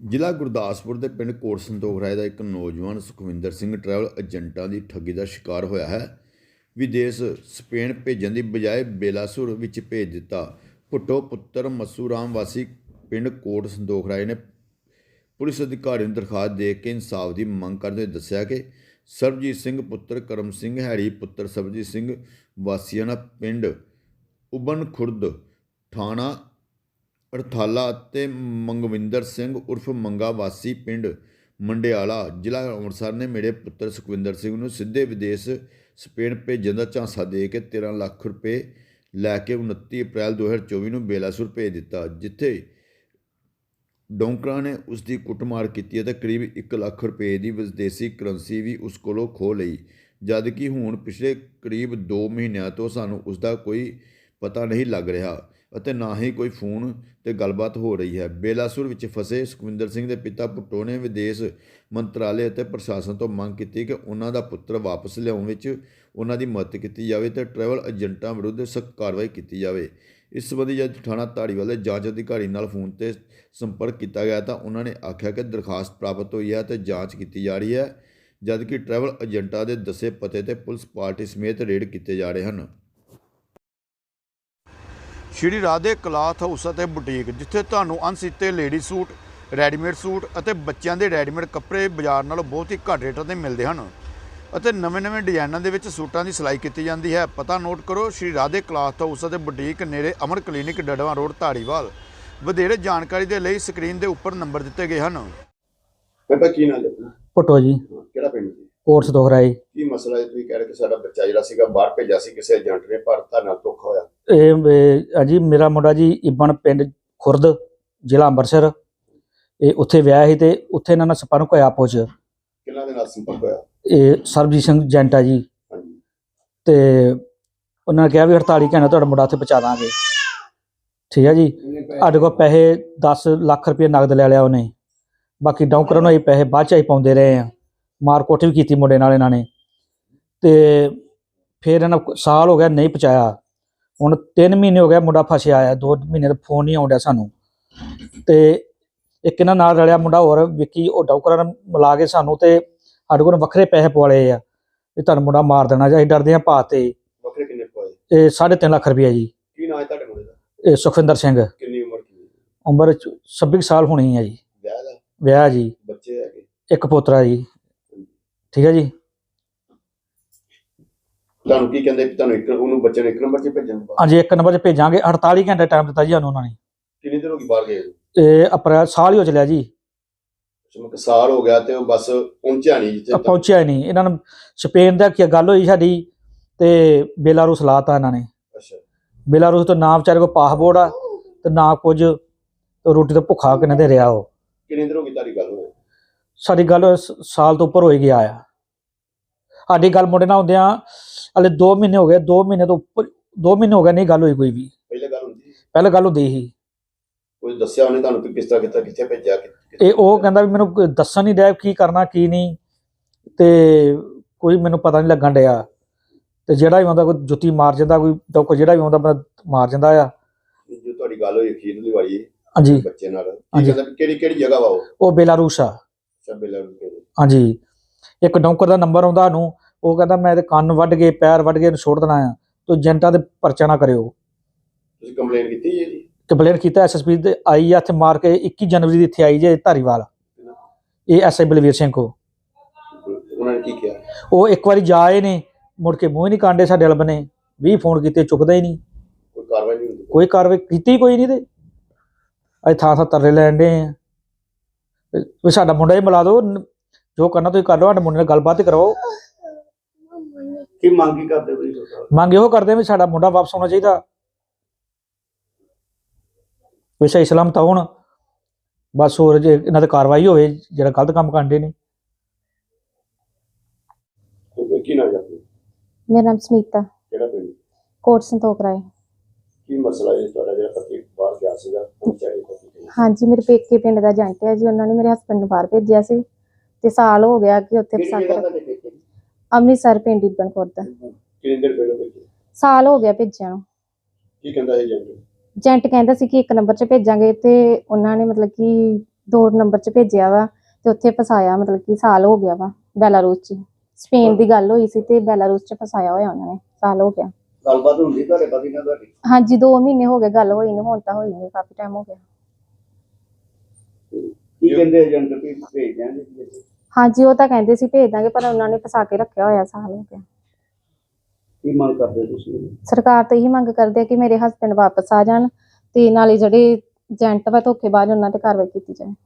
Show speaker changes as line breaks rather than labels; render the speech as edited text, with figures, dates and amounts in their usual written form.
ਜ਼ਿਲ੍ਹਾ ਗੁਰਦਾਸਪੁਰ ਦੇ ਪਿੰਡ ਕੋਟ ਸੰਤੋਖ ਰਾਏ ਦਾ ਇੱਕ ਨੌਜਵਾਨ ਸੁਖਵਿੰਦਰ ਸਿੰਘ ਟਰੈਵਲ ਏਜੰਟਾਂ ਦੀ ਠੱਗੀ ਦਾ ਸ਼ਿਕਾਰ ਹੋਇਆ ਹੈ। ਵਿਦੇਸ਼ ਸਪੇਨ ਭੇਜਣ ਦੀ ਬਜਾਏ ਬੇਲਾਸੁਰ ਵਿੱਚ ਭੇਜ ਦਿੱਤਾ। ਭੁੱਟੋ ਪੁੱਤਰ ਮੱਸੂ ਰਾਮ ਵਾਸੀ ਪਿੰਡ ਕੋਟ ਸੰਤੋਖ ਰਾਏ ਨੇ ਪੁਲਿਸ ਅਧਿਕਾਰੀ ਨੂੰ ਦਰਖਾਸਤ ਦੇ ਕੇ ਇਨਸਾਫ ਦੀ ਮੰਗ ਕਰਦੇ ਹੋਏ ਦੱਸਿਆ ਕਿ ਸਰਬਜੀਤ ਸਿੰਘ ਪੁੱਤਰ ਕਰਮ ਸਿੰਘ ਹੈੜੀ ਪੁੱਤਰ ਸਰਬਜੀਤ ਸਿੰਘ ਵਾਸੀਆਣਾ ਪਿੰਡ ਉਬਨ ਖੁਰਦ ਥਾਣਾ ਅਰਥਾਲਾ ਅਤੇ ਮੰਗਵਿੰਦਰ ਸਿੰਘ ਉਰਫ ਮੰਗਾ ਵਾਸੀ ਪਿੰਡ ਮੰਡਿਆਲਾ ਜ਼ਿਲ੍ਹਾ ਅੰਮ੍ਰਿਤਸਰ ਨੇ ਮੇਰੇ ਪੁੱਤਰ ਸੁਖਵਿੰਦਰ ਸਿੰਘ ਨੂੰ ਸਿੱਧੇ ਵਿਦੇਸ਼ ਸਪੇਨ ਭੇਜਣ ਦਾ ਝਾਂਸਾ ਦੇ ਕੇ 13 ਲੱਖ ਰੁਪਏ ਲੈ ਕੇ 29 ਅਪ੍ਰੈਲ 2024 ਨੂੰ ਬੇਲਾਸੁਰ ਭੇਜ ਦਿੱਤਾ, ਜਿੱਥੇ ਡੋਂਕਰਾਂ ਨੇ ਉਸ ਦੀ ਕੁੱਟਮਾਰ ਕੀਤੀ ਅਤੇ ਕਰੀਬ 1 ਲੱਖ ਰੁਪਏ ਦੀ ਵਿਦੇਸ਼ੀ ਕਰੰਸੀ ਵੀ ਉਸ ਕੋਲੋਂ ਖੋਹ ਲਈ। ਜਦਕਿ ਹੁਣ ਪਿਛਲੇ ਕਰੀਬ 2 ਮਹੀਨਿਆਂ ਤੋਂ ਸਾਨੂੰ ਉਸ ਦਾ ਕੋਈ ਪਤਾ ਨਹੀਂ ਲੱਗ ਰਿਹਾ ਅਤੇ ਨਾ ਹੀ ਕੋਈ ਫੋਨ ਤੇ ਗੱਲਬਾਤ ਹੋ ਰਹੀ ਹੈ। ਬੇਲਾਸੁਰ ਵਿੱਚ ਫਸੇ ਸੁਖਵਿੰਦਰ ਸਿੰਘ ਦੇ ਪਿਤਾ ਭੁੱਟੋ ਨੇ ਵਿਦੇਸ਼ ਮੰਤਰਾਲੇ ਅਤੇ ਪ੍ਰਸ਼ਾਸਨ ਤੋਂ ਮੰਗ ਕੀਤੀ ਕਿ ਉਹਨਾਂ ਦਾ ਪੁੱਤਰ ਵਾਪਸ ਲਿਆਉਣ ਵਿੱਚ ਉਹਨਾਂ ਦੀ ਮਦਦ ਕੀਤੀ ਜਾਵੇ ਤੇ ਟਰੈਵਲ ਏਜੰਟਾਂ ਵਿਰੁੱਧ ਸਖਤ ਕਾਰਵਾਈ ਕੀਤੀ ਜਾਵੇ। ਇਸ ਸੰਬੰਧੀ ਜਦ ਥਾਣਾ ਧਾਰੀਵਾਲ ਦੇ ਜਾਂਚ ਅਧਿਕਾਰੀ ਨਾਲ ਫੋਨ ਤੇ ਸੰਪਰਕ ਕੀਤਾ ਗਿਆ ਤਾਂ ਉਹਨਾਂ ਨੇ ਆਖਿਆ ਕਿ ਦਰਖਾਸਤ ਪ੍ਰਾਪਤ ਹੋਈ ਹੈ ਤੇ ਜਾਂਚ ਕੀਤੀ ਜਾ ਰਹੀ ਹੈ, ਜਦਕਿ ਟਰੈਵਲ ਏਜੰਟਾਂ ਦੇ ਦੱਸੇ ਪਤੇ ਤੇ ਪੁਲਿਸ ਪਾਰਟੀ ਸਮੇਤ ਰੇਡ ਕੀਤੇ ਜਾ ਰਹੇ ਹਨ। ਸ਼੍ਰੀ ਰਾਧੇ ਕਲਾਥ ਹਾਊਸ ਅਤੇ ਬੁਟੀਕ, ਜਿੱਥੇ ਤੁਹਾਨੂੰ ਅਣਸੀਤੇ ਲੇਡੀ ਸੂਟ, ਰੈਡੀਮੇਡ ਸੂਟ ਅਤੇ ਬੱਚਿਆਂ ਦੇ ਰੈਡੀਮੇਡ ਕੱਪੜੇ ਬਾਜ਼ਾਰ ਨਾਲੋਂ ਬਹੁਤ ਹੀ ਘੱਟ ਰੇਟਾਂ 'ਤੇ ਮਿਲਦੇ ਹਨ ਅਤੇ ਨਵੇਂ ਡਿਜ਼ਾਈਨਾਂ ਦੇ ਵਿੱਚ ਸੂਟਾਂ ਦੀ ਸਿਲਾਈ ਕੀਤੀ ਜਾਂਦੀ ਹੈ। ਪਤਾ ਨੋਟ ਕਰੋ, ਸ਼੍ਰੀ ਰਾਧੇ ਕਲਾਥ ਹਾਊਸ ਅਤੇ ਬੁਟੀਕ, ਨੇੜੇ ਅਮਰ ਕਲੀਨਿਕ, ਡੜਵਾ ਰੋਡ, ਧਾਰੀਵਾਲ। ਵਧੇਰੇ ਜਾਣਕਾਰੀ ਦੇ ਲਈ ਸਕਰੀਨ ਦੇ ਉੱਪਰ ਨੰਬਰ ਦਿੱਤੇ ਗਏ ਹਨ।
ਬੇਟਾ ਕੀ ਨਾਮ ਹੈ?
ਭੁੱਟੋ ਜੀ,
ਕਿਹੜਾ ਪਿੰਡ ਜੀ?
ਕੋਟ ਸੰਤੋਖ ਰਾਏ।
ਕੀ ਮਸਲਾ ਹੈ? ਤੁਸੀਂ ਕਹਿ ਰਹੇ ਕਿ ਸਾਡਾ ਬੱਚਾ ਜਿਹੜਾ ਸੀਗਾ ਬਾਹਰ ਭੇਜਿਆ ਸੀ ਕਿਸੇ ਏਜੰਟ ਨੇ, ਪਰ ਤੁਹਾਡੇ ਨਾਲ ਧੋਖਾ ਹੋਇਆ।
ਇਹ ਜੀ ਮੇਰਾ ਮੁੰਡਾ ਜੀ ਇਬਨ ਪਿੰਡ ਖੁਰਦ, ਜ਼ਿਲ੍ਹਾ ਅੰਮ੍ਰਿਤਸਰ। ਇਹ ਉੱਥੇ ਵਿਆਹ ਸੀ ਤੇ ਉੱਥੇ ਇਹਨਾਂ ਨਾਲ ਸੰਪਰਕ ਹੋਇਆ ਆਪੋ 'ਚ।
ਕਿਹਨਾਂ ਦੇ ਨਾਲ ਸੰਪਰਕ ਹੋਇਆ?
ਇਹ ਸਰਬਜੀਤ ਸਿੰਘ ਏਜੰਟ ਆ ਜੀ,
ਹਾਂਜੀ।
ਤੇ ਉਹਨਾਂ ਨੇ ਕਿਹਾ ਵੀ 48 ਘੰਟੇ ਤੁਹਾਡਾ ਮੁੰਡਾ ਉੱਥੇ ਪਹੁੰਚਾ ਦਾਂਗੇ। ਠੀਕ ਹੈ ਜੀ। ਸਾਡੇ ਕੋਲ ਪੈਸੇ 10 ਲੱਖ ਰੁਪਏ ਨਗਦ ਲੈ ਲਿਆ ਉਹਨੇ, ਬਾਕੀ ਡੌਂਕਰਾਂ ਨੂੰ ਅਸੀਂ ਪੈਸੇ ਬਾਅਦ 'ਚ ਅਸੀਂ ਪਾਉਂਦੇ ਰਹੇ ਆ। ਮਾਰ ਕੁੱਟ ਵੀ ਕੀਤੀ ਮੁੰਡੇ ਨਾਲ ਇਹਨਾਂ ਨੇ, ਤੇ ਫਿਰ ਇਹਨਾਂ ਸਾਲ ਹੋ ਗਿਆ ਨਹੀਂ ਪਹੁੰਚਾਇਆ। ਹੁਣ 3 ਮਹੀਨੇ ਹੋ ਗਿਆ ਮੁੰਡਾ ਫਸਿਆ ਆਇਆ, 2 ਮਹੀਨੇ ਦਾ ਫੋਨ ਨਹੀਂ ਆਉਣ ਡਿਆ ਸਾਨੂੰ। ਤੇ ਇੱਕ ਇਹਨਾਂ ਨਾਲ ਰਲਿਆ ਮੁੰਡਾ ਹੋਰ ਵਿੱਕੀ, ਉਹ ਡੌਂਕਰਾਂ ਨਾਲ ਮਿਲਾ ਕੇ ਸਾਨੂੰ ਤੇ ਸਾਡੇ ਕੋਲ ਵੱਖਰੇ ਪੈਸੇ ਪਵਾਲੇ ਆ ਵੀ ਤੁਹਾਨੂੰ ਮੁੰਡਾ ਮਾਰ ਦੇਣਾ ਜਾਂ ਅਸੀਂ ਡਰਦੇ ਹਾਂ ਭਾ ਤੇ।
ਵੱਖਰੇ ਕਿੰਨੇ ਪਵਾਏ?
ਇਹ 3.5 ਲੱਖ ਰੁਪਇਆ ਜੀ।
ਕੀ ਨਾਮ ਹੈ ਤੁਹਾਡੇ ਮੁੰਡੇ ਦਾ?
ਇਹ ਸੁਖਵਿੰਦਰ ਸਿੰਘ।
ਕਿੰਨੀ ਉਮਰ ਕੀ?
ਉਮਰ 26 ਸਾਲ ਹੋਣੀ ਹੈ ਜੀ।
ਵਿਆਹ ਦਾ?
ਵਿਆਹ ਜੀ,
ਬੱਚੇ ਹੈਗੇ?
ਇੱਕ ਪੋਤਰਾ ਜੀ। ਠੀਕ ਹੈ ਜੀ।
ਤੁਹਾਨੂੰ ਕੀ ਕਹਿੰਦੇ? ਤੁਹਾਨੂੰ ਉਹਨੂੰ ਬੱਚੇ ਨੂੰ 1 ਨੰਬਰ 'ਚ ਭੇਜਣ?
ਹਾਂਜੀ, 1 ਨੰਬਰ 'ਚ ਭੇਜਾਂਗੇ। 48 ਘੰਟੇ ਟਾਈਮ ਦਿੱਤਾ ਜੀ ਸਾਨੂੰ ਉਹਨਾਂ ਨੇ।
ਕਿੰਨੀ ਦੇਰ ਹੋ ਗਈ ਬਾਹਰ ਗਏ?
ਇਹ ਅਪ੍ਰੈਲ ਸਾਲ ਹੀ ਹੋ ਚਲਿਆ ਜੀ।
ਇੱਕ ਸਾਲ ਹੋ ਗਿਆ ਤੇ ਉਹ ਬਸ ਪਹੁੰਚਿਆ ਨਹੀਂ ਜਿੱਥੇ
ਪਹੁੰਚਿਆ ਨਹੀਂ। ਇਹਨਾਂ ਨੂੰ ਸਪੇਨ ਦਾ ਕੀ ਗੱਲ ਹੋਈ ਸਾਡੀ, ਤੇ ਬੇਲਾਰੂਸ ਲਾਤਾ ਇਹਨਾਂ ਨੇ।
ਅੱਛਾ।
ਬੇਲਾਰੂਸ ਤੋਂ ਨਾ ਵਿਚਾਰੇ ਕੋਲ ਪਾਸਪੋਰਟ ਆ ਤੇ ਨਾ ਕੁਝ, ਰੋਟੀ ਤੋਂ ਭੁੱਖਾ ਕਿੰਨੇ ਦੇ ਰਿਹਾ ਉਹ।
ਕਿੰਨੀ ਦੇਰ ਹੋ ਗਈ ਤੁਹਾਡੀ ਗੱਲ ਹੋਈ?
ਸਾਡੀ ਗੱਲ ਸਾਲ ਤੋਂ ਉੱਪਰ ਹੋ ਗਿਆ ਆ। ਸਾਡੀ ਗੱਲ ਮੁੰਡੇ ਨਾਲ ਹੁੰਦਿਆਂ ਹਲੇ 2 ਮਹੀਨੇ ਹੋ ਗਏ। 2 ਮਹੀਨੇ ਤੋਂ ਉੱਪਰ, 2 ਮਹੀਨੇ ਹੋ ਗਏ ਨਹੀਂ ਗੱਲ ਹੋਈ ਕੋਈ ਵੀ।
ਪਹਿਲੇ ਗੱਲ ਹੁੰਦੀ?
ਪਹਿਲਾਂ ਗੱਲ ਹੁੰਦੀ ਸੀ।
ਕੋਈ ਦੱਸਿਆ ਉਹਨੇ ਤੁਹਾਨੂੰ ਕਿ ਕਿਸ ਤਰ੍ਹਾਂ ਕੀਤਾ, ਕਿੱਥੇ ਭੇਜਿਆ?
ਇਹ ਉਹ ਕਹਿੰਦਾ ਵੀ ਮੈਨੂੰ ਦੱਸਣ ਨਹੀਂ ਡਿਆ ਕੀ ਕਰਨਾ ਕੀ ਨਹੀਂ, ਤੇ ਕੋਈ ਮੈਨੂੰ ਪਤਾ ਨਹੀਂ ਲੱਗਣ ਡਿਆ। ਤੇ ਜਿਹੜਾ ਵੀ ਆਉਂਦਾ ਕੋਈ ਜੁੱਤੀ ਮਾਰ ਜਾਂਦਾ, ਕੋਈ ਜਿਹੜਾ ਵੀ ਆਉਂਦਾ ਬੰਦਾ ਮਾਰ ਜਾਂਦਾ ਆ।
ਜੋ ਤੁਹਾਡੀ ਗੱਲ ਹੋਈ ਅਖੀਰਲੀ ਵਾਲੀ
ਹਾਂਜੀ
ਬੱਚੇ ਨਾਲ, ਕੀ ਕਹਿੰਦਾ ਕਿਹੜੀ ਜਗ੍ਹਾ ਵਾ
ਉਹ ਬੇਲਾਰੂਸ ਆ। ਹਾਂਜੀ। ਇੱਕ ਡੌਂਕਰ ਦਾ ਨੰਬਰ ਆਉਂਦਾ ਨੂੰ, ਉਹ ਕਹਿੰਦਾ ਮੈਂ ਇਹਦੇ ਕੰਨ ਵੱਢ ਕੇ ਪੈਰ ਵੱਢ ਕੇ ਇਹਨੂੰ ਛੋੜ ਦੇਣਾ ਆ, ਤੂੰ ਏਜੰਟਾਂ ਦੇ ਪਰਚਾ ਨਾ ਕਰਿਓ।
ਤੁਸੀਂ ਕੰਪਲੇਂਟ ਕੀਤੀ ਜੀ?
ਕੰਪਲੇਂਟ ਕੀਤਾ, ਐਸਐਸਪੀ ਦੇ ਆਈ ਆ ਇੱਥੇ ਮਾਰ ਕੇ। 21 ਜਨਵਰੀ ਦੀ ਇੱਥੇ ਆਈ ਜੇ ਧਾਰੀਵਾਲ, ਇਹ ਐਸਆਈ ਬਲਵੀਰ ਸਿੰਘ ਕੋ।
ਉਹਨਾਂ ਨੇ ਕੀ ਕਿਹਾ?
ਉਹ ਇੱਕ ਵਾਰੀ ਜਾ ਆਏ ਨੇ, ਮੁੜ ਕੇ ਮੂੰਹ ਹੀ ਨਹੀਂ ਕਾਂਡੇ ਸਾਡੇ ਵੱਲ ਬਨੇ। 20 ਫੋਨ ਕੀਤੇ, ਚੁੱਕਦਾ ਹੀ ਨਹੀਂ।
ਕੋਈ ਕਾਰਵਾਈ ਨਹੀਂ ਹੁੰਦੀ? ਕੋਈ
ਕਾਰਵਾਈ ਕੀਤੀ ਕੋਈ ਨਹੀਂ। ਤੇ ਅੱਜ ਥਾਂ ਤਰਲੇ ਲੈਣ ਡੇ ਆ ਵੀ ਸਾਡਾ ਮੁੰਡਾ ਹੀ ਮਿਲਾ ਦਿਓ, ਜੋ ਕਰਨਾ ਤੁਸੀਂ ਕਰ ਲਓ, ਸਾਡੇ ਮੁੰਡੇ ਨਾਲ ਗੱਲਬਾਤ ਕਰਵਾਓ।
ਕੀ ਮੰਗ ਕੀ ਕਰਦੇ ਬਈ?
ਮੰਗ ਇਹੋ ਕਰਦੇ ਵੀ ਸਾਡਾ ਮੁੰਡਾ ਵਾਪਸ ਆਉਣਾ ਚਾਹੀਦਾ, ਵੀ ਸਹੀ ਸਲਾਮਤ ਹੋਣ ਬਸ। ਹੋਰ ਜੇ ਇਹਨਾਂ ਤੇ ਕਾਰਵਾਈ ਹੋਵੇ ਜਿਹੜਾ ਗਲਤ ਕੰਮ ਕਰਦੇ ਨੇ।
ਕੀ ਨਾਮ ਹੈ?
ਮੇਰਾ ਨਾਮ ਸੁਨੀਤਾ।
ਕਿਹੜਾ ਪਿੰਡ?
ਕੋਟ ਸੰਤੋਖ ਰਾਏ।
ਕੀ ਮਸਲਾ ਹੈ ਤੁਹਾਡਾ ਜਿਹੜਾ ਪਤੀ ਬਾਹਰ ਗਿਆ ਸੀਗਾ?
ਹਾਂਜੀ, ਮੇਰੇ ਪੇਕੇ ਪਿੰਡ ਦਾ ਏਜੰਟ ਹੈ ਜੀ। ਉਹਨਾਂ ਨੇ ਮੇਰੇ ਹਸਬੰਡ ਨੂੰ ਬਾਹਰ ਭੇਜਿਆ ਸੀ ਤੇ ਸਾਲ ਹੋ ਗਿਆ ਕਿ ਉੱਥੇ ਅੰਮ੍ਰਿਤਸਰ ਪਿੰਡ ਇਬਨ ਖੁਰਦ।
ਕਿੰਨੇ ਦਿਨ ਪਹਿਲਾਂ ਭੇਜਿਆ?
ਸਾਲ ਹੋ ਗਿਆ ਭੇਜਿਆ ਨੂੰ।
ਕੀ ਕਹਿੰਦਾ ਏਜੰਟ?
ਏਜੰਟ ਕਹਿੰਦਾ ਸੀ ਕਿ 1 ਨੰਬਰ 'ਚ ਭੇਜਾਂਗੇ, ਤੇ ਉਹਨਾਂ ਨੇ ਮਤਲਬ ਕਿ 2 ਨੰਬਰ 'ਚ ਭੇਜਿਆ ਵਾ ਤੇ ਉੱਥੇ ਫਸਾਇਆ, ਮਤਲਬ ਕਿ ਸਾਲ ਹੋ ਗਿਆ ਵਾ ਬੈਲਾਰੂਸ 'ਚ। ਸਪੇਨ ਦੀ ਗੱਲ ਹੋਈ ਸੀ ਤੇ ਬੈਲਾਰੂਸ 'ਚ ਫਸਾਇਆ ਹੋਇਆ ਉਹਨਾਂ ਨੇ, ਸਾਲ ਹੋ ਗਿਆ।
ਗੱਲਬਾਤ ਹੁੰਦੀ ਤੁਹਾਡੇ ਪਤੀ ਨਾਲ ਤੁਹਾਡੀ?
ਹਾਂਜੀ 2 ਮਹੀਨੇ ਹੋ ਗਏ ਗੱਲ ਹੋਈ ਨੂੰ, ਹੁਣ ਤਾਂ ਹੋਈ ਨਹੀਂ, ਕਾਫੀ ਟਾਈਮ ਹੋ ਗਿਆ।
ਕੀ ਕਹਿੰਦੇ ਏਜੰਟ ਵੀ ਭੇਜ ਦਿਆਂਗੇ?
ਹਾਂਜੀ ਉਹ ਤਾਂ ਕਹਿੰਦੇ ਸੀ ਭੇਜ ਦਾਂਗੇ, ਪਰ ਉਹਨਾਂ ਨੇ ਫਸਾ ਕੇ ਰੱਖਿਆ ਹੋਇਆ, ਸਾਲ ਹੋ ਗਿਆ।
ਕੀ ਮੰਗ ਕਰਦੇ ਤੁਸੀਂ?
ਸਰਕਾਰ ਤੋਂ ਇਹੀ ਮੰਗ ਕਰਦੇ ਆ ਕਿ ਮੇਰੇ ਹਸਬੈਂਡ ਵਾਪਸ ਆ ਜਾਣ ਤੇ ਨਾਲੇ ਜਿਹੜੇ ਏਜੰਟ ਵਾ ਧੋਖੇਬਾਜ਼ ਉਹਨਾਂ ਤੇ ਕਾਰਵਾਈ ਕੀਤੀ ਜਾਏ।